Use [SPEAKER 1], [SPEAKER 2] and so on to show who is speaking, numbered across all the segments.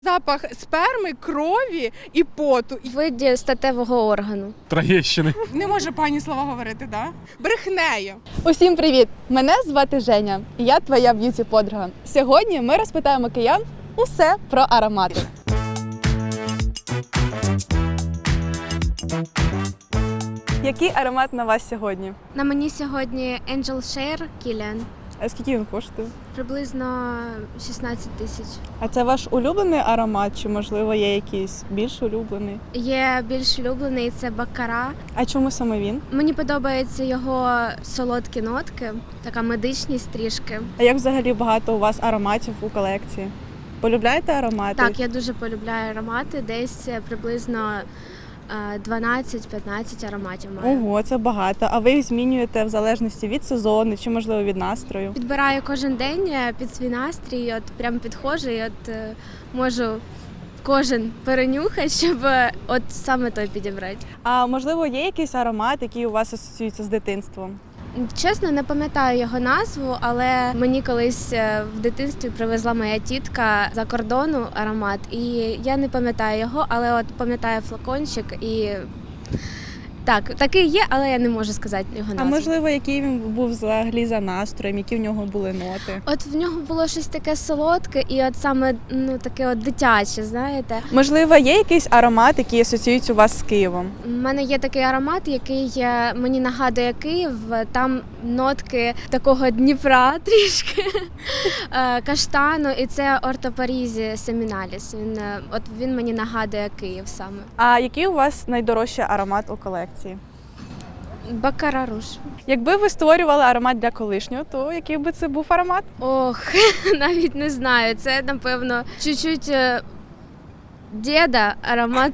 [SPEAKER 1] Запах сперми, крові і поту.
[SPEAKER 2] Виді статевого органу.
[SPEAKER 3] Троєщини.
[SPEAKER 1] Не може пані слова говорити, да? Брехнею.
[SPEAKER 4] Усім привіт! Мене звати Женя, і я твоя б'юті-подруга. Сьогодні ми розпитаємо киян усе про аромати. Який аромат на вас сьогодні?
[SPEAKER 2] На мені сьогодні Angel Share Kilian.
[SPEAKER 4] А скільки він коштує?
[SPEAKER 2] Приблизно 16 тисяч.
[SPEAKER 4] А це ваш улюблений аромат, чи можливо є якийсь більш улюблений?
[SPEAKER 2] Є більш улюблений, це Баккара.
[SPEAKER 4] А чому саме він?
[SPEAKER 2] Мені подобаються його солодкі нотки, така медичність трішки.
[SPEAKER 4] А як взагалі багато у вас ароматів у колекції? Полюбляєте аромати?
[SPEAKER 2] Так, я дуже полюбляю аромати, десь приблизно 12-15 ароматів маю.
[SPEAKER 4] Ого, це багато. А ви їх змінюєте в залежності від сезону чи, можливо, від настрою?
[SPEAKER 2] Підбираю кожен день під свій настрій, от прям підходжу і можу кожен перенюхати, щоб от саме той підібрати.
[SPEAKER 4] А можливо, є якийсь аромат, який у вас асоціюється з дитинством?
[SPEAKER 2] Чесно, не пам'ятаю його назву, але мені колись в дитинстві привезла моя тітка за кордону аромат, і я не пам'ятаю його, але от пам'ятаю флакончик і так, такий є, але я не можу сказати його назву.
[SPEAKER 4] А можливо, який він був взагалі за настроєм, які в нього були ноти?
[SPEAKER 2] От в нього було щось таке солодке і от саме таке от дитяче, знаєте.
[SPEAKER 4] Можливо, є якийсь аромат, який асоціюється у вас з Києвом?
[SPEAKER 2] У мене є такий аромат, який мені нагадує Київ. Там нотки такого Дніпра трішки, каштану, і це Орто Парізі Семіналіс. Він мені нагадує Київ саме.
[SPEAKER 4] А який у вас найдорожчий аромат у колекції?
[SPEAKER 2] Баккара Руж.
[SPEAKER 4] Якби ви створювали аромат для колишнього, то який би це був аромат?
[SPEAKER 2] Ох, навіть не знаю. Це, напевно, чуть-чуть діда аромат.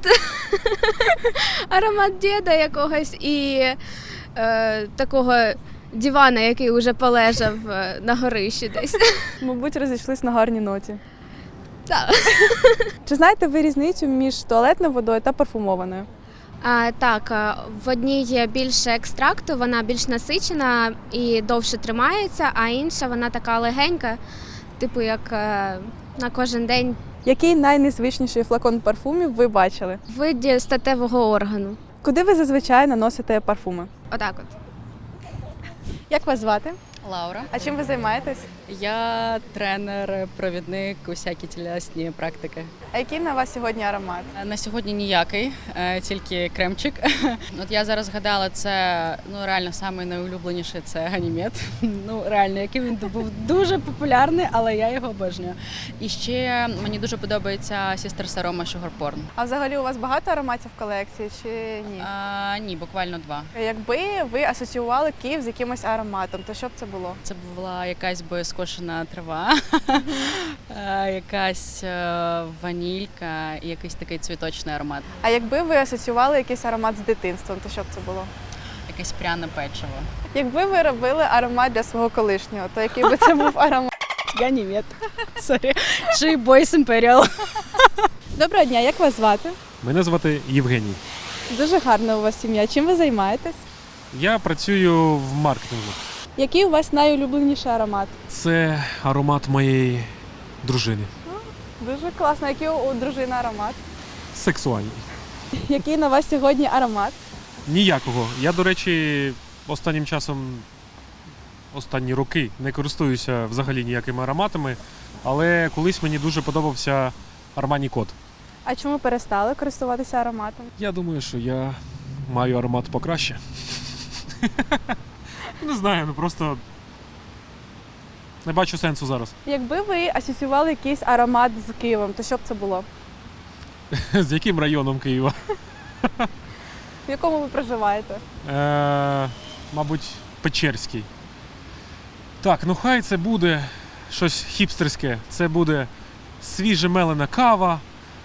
[SPEAKER 2] Аромат діда якогось і такого дивана, який вже полежав на горищі десь.
[SPEAKER 4] Мабуть, розійшлись на гарній ноті.
[SPEAKER 2] Так.
[SPEAKER 4] Чи знаєте ви різницю між туалетною водою та парфумованою?
[SPEAKER 2] Так, в одній є більше екстракту, вона більш насичена і довше тримається, а інша вона така легенька, типу як на кожен день.
[SPEAKER 4] Який найнезвичніший флакон парфумів ви бачили?
[SPEAKER 2] В виді статевого органу.
[SPEAKER 4] Куди ви зазвичай наносите парфуми?
[SPEAKER 2] Отак от.
[SPEAKER 4] Як вас звати?
[SPEAKER 5] Лаура.
[SPEAKER 4] А чим ви займаєтесь?
[SPEAKER 5] Я тренер, провідник, усякі тілесні практики.
[SPEAKER 4] А який на вас сьогодні аромат?
[SPEAKER 5] На сьогодні ніякий, тільки кремчик. От я зараз згадала, це реально самий найулюбленіший це Ганімед. Реально, який він був дуже популярний, але я його обожнюю. І ще мені дуже подобається Sisters Aroma Sugar Porn.
[SPEAKER 4] А взагалі у вас багато ароматів в колекції чи ні?
[SPEAKER 5] Ні, буквально 2.
[SPEAKER 4] Якби ви асоціювали Київ з якимось ароматом, то що б це було?
[SPEAKER 5] Це була якась би скошена трава, якась ванілька і якийсь такий цвіточний аромат.
[SPEAKER 4] А якби ви асоціювали якийсь аромат з дитинством, то що б це було?
[SPEAKER 5] Якесь пряне печиво.
[SPEAKER 4] Якби ви робили аромат для свого колишнього, то який би це був аромат?
[SPEAKER 5] Ганімед. Сорі. Чи Boys Imperial.
[SPEAKER 4] Доброго дня, як вас звати?
[SPEAKER 3] Мене звати Євгеній.
[SPEAKER 4] Дуже гарна у вас сім'я. Чим ви займаєтесь?
[SPEAKER 3] Я працюю в маркетингу.
[SPEAKER 4] Який у вас найулюбленіший аромат?
[SPEAKER 3] Це аромат моєї дружини.
[SPEAKER 4] Дуже класно. Який у дружини аромат?
[SPEAKER 3] Сексуальний.
[SPEAKER 4] Який на вас сьогодні аромат?
[SPEAKER 3] Ніякого. Я, до речі, останнім часом, останні роки не користуюся взагалі ніякими ароматами, але колись мені дуже подобався Armani Code.
[SPEAKER 4] А чому перестали користуватися ароматом?
[SPEAKER 3] Я думаю, що я маю аромат покраще. Не знаю, просто не бачу сенсу зараз.
[SPEAKER 4] Якби ви асоціювали якийсь аромат з Києвом, то що б це було?
[SPEAKER 3] З яким районом Києва?
[SPEAKER 4] В якому ви проживаєте?
[SPEAKER 3] Мабуть, Печерський. Так, хай це буде щось хіпстерське. Це буде свіже мелена кава.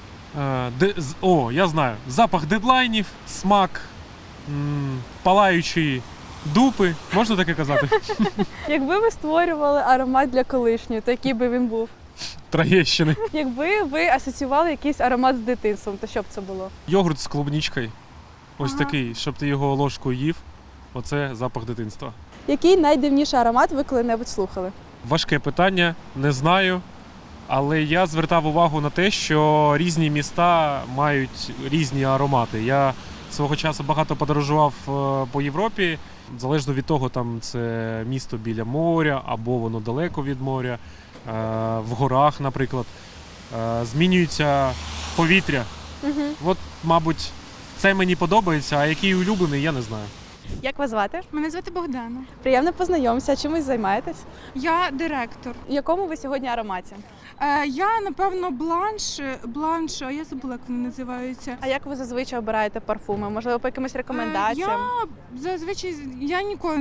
[SPEAKER 3] Я знаю, запах дедлайнів, смак палаючої дупи. Можна таке казати?
[SPEAKER 4] Якби ви створювали аромат для колишньої, то який би він був?
[SPEAKER 3] Троєщини.
[SPEAKER 4] Якби ви асоціювали якийсь аромат з дитинством, то що б це було?
[SPEAKER 3] Йогурт з клубничкою. Ось такий, щоб ти його ложкою їв. Оце запах дитинства.
[SPEAKER 4] Який найдивніший аромат ви коли-небудь слухали?
[SPEAKER 3] Важке питання, не знаю. Але я звертав увагу на те, що різні міста мають різні аромати. Я свого часу багато подорожував по Європі, залежно від того, там це місто біля моря або воно далеко від моря, в горах, наприклад. Змінюється повітря. От, мабуть, це мені подобається, а який улюблений, я не знаю.
[SPEAKER 4] Як вас звати?
[SPEAKER 1] Мене звати Богдана.
[SPEAKER 4] Приємно познайомитися. Чимось займаєтесь?
[SPEAKER 1] Я директор.
[SPEAKER 4] В якому ви сьогодні ароматі?
[SPEAKER 1] Я, напевно, бланш, а я забула, як вони називаються.
[SPEAKER 4] А як ви зазвичай обираєте парфуми? Можливо, по якимось рекомендаціям?
[SPEAKER 1] Я зазвичай ніколи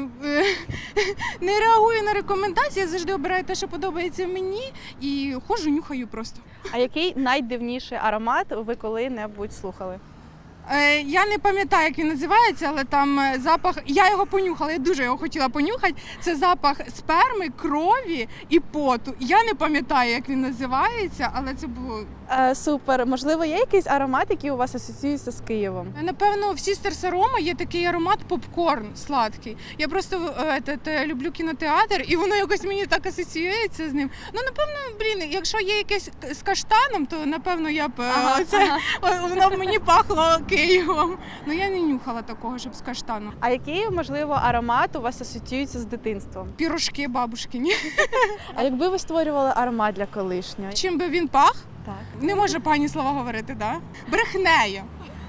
[SPEAKER 1] не реагую на рекомендації, я завжди обираю те, що подобається мені, і ходжу, нюхаю просто.
[SPEAKER 4] А який найдивніший аромат ви коли-небудь слухали?
[SPEAKER 1] Я не пам'ятаю, як він називається, але там запах. Я його понюхала, я дуже його хотіла понюхати. Це запах сперми, крові і поту. Я не пам'ятаю, як він називається, але це було.
[SPEAKER 4] Супер. Можливо, є якийсь аромат, який у вас асоціюється з Києвом?
[SPEAKER 1] Напевно, в Sisters Aroma є такий аромат попкорн сладкий. Я просто люблю кінотеатр, і воно якось мені так асоціюється з ним. Ну, напевно, якщо є якесь з каштаном, то напевно я б воно б мені пахло Києвом. Ну я не нюхала такого, щоб з каштаном.
[SPEAKER 4] А який, можливо, аромат у вас асоціюється з дитинством?
[SPEAKER 1] Пірожки бабушкині.
[SPEAKER 4] А якби ви створювали аромат для колишнього?
[SPEAKER 1] Чим би він пах?
[SPEAKER 4] Так.
[SPEAKER 1] Не може пані слова говорити, да? Брехнею.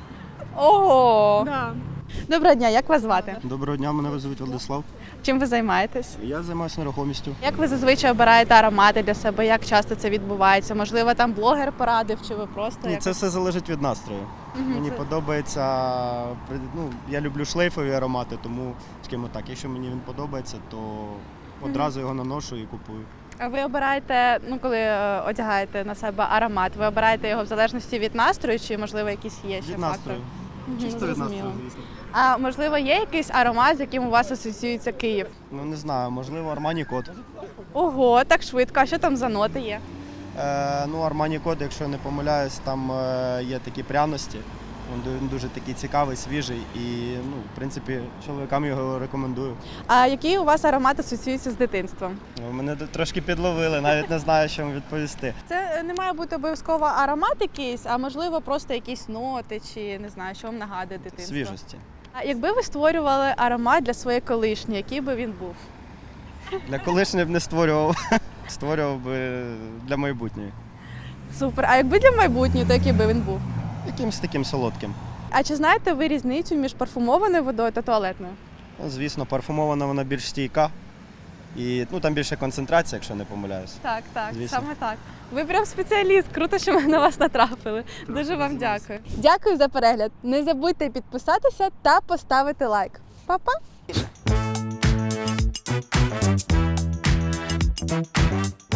[SPEAKER 4] Ого!
[SPEAKER 1] Да.
[SPEAKER 4] Доброго дня, як вас звати?
[SPEAKER 6] Доброго дня, мене звуть Владислав.
[SPEAKER 4] Чим ви займаєтесь?
[SPEAKER 6] Я займаюся нерухомістю.
[SPEAKER 4] Як ви зазвичай обираєте аромати для себе? Як часто це відбувається? Можливо, там блогер порадив, чи ви просто
[SPEAKER 6] Ні,
[SPEAKER 4] якось?
[SPEAKER 6] це все залежить від настрою. Мені подобається, я люблю шлейфові аромати, тому скажімо так, якщо мені він подобається, то одразу його наношу і купую.
[SPEAKER 4] А ви обираєте, коли одягаєте на себе аромат, ви обираєте його в залежності від настрою, чи можливо якісь є ще
[SPEAKER 6] Від
[SPEAKER 4] фактори?
[SPEAKER 6] настрою.
[SPEAKER 4] Мгм,
[SPEAKER 6] Чисто від
[SPEAKER 4] зрозуміло.
[SPEAKER 6] настрою, звісно.
[SPEAKER 4] А можливо, є якийсь аромат, з яким у вас асоціюється Київ?
[SPEAKER 6] Ну не знаю, можливо, Armani Code.
[SPEAKER 4] Ого, так швидко. А що там за ноти є?
[SPEAKER 6] Armani Code, якщо я не помиляюсь, там є такі пряності. Він дуже такий цікавий, свіжий і, в принципі, чоловікам його рекомендую.
[SPEAKER 4] А який у вас аромат асоціюється з дитинством?
[SPEAKER 6] Мене трошки підловили, навіть не знаю, що вам відповісти.
[SPEAKER 4] Це не має бути обов'язково аромат якийсь, а можливо просто якісь ноти, чи не знаю, що вам нагадує дитинство.
[SPEAKER 6] Свіжості.
[SPEAKER 4] А якби ви створювали аромат для своєї колишньої, який би він був?
[SPEAKER 6] Для колишньої б не створював, створював би для майбутньої.
[SPEAKER 4] Супер. А якби для майбутньої, то який би він був?
[SPEAKER 6] Якимсь таким солодким.
[SPEAKER 4] А чи знаєте ви різницю між парфумованою водою та туалетною?
[SPEAKER 6] Ну, звісно, парфумована вона більш стійка. І там більше концентрація, якщо не помиляюсь.
[SPEAKER 4] Так,
[SPEAKER 6] Звісно.
[SPEAKER 4] саме так. Ви прям спеціаліст. Круто, що ми на вас натрапили. Дуже вам дякую. Дякую за перегляд. Не забудьте підписатися та поставити лайк. Па-па!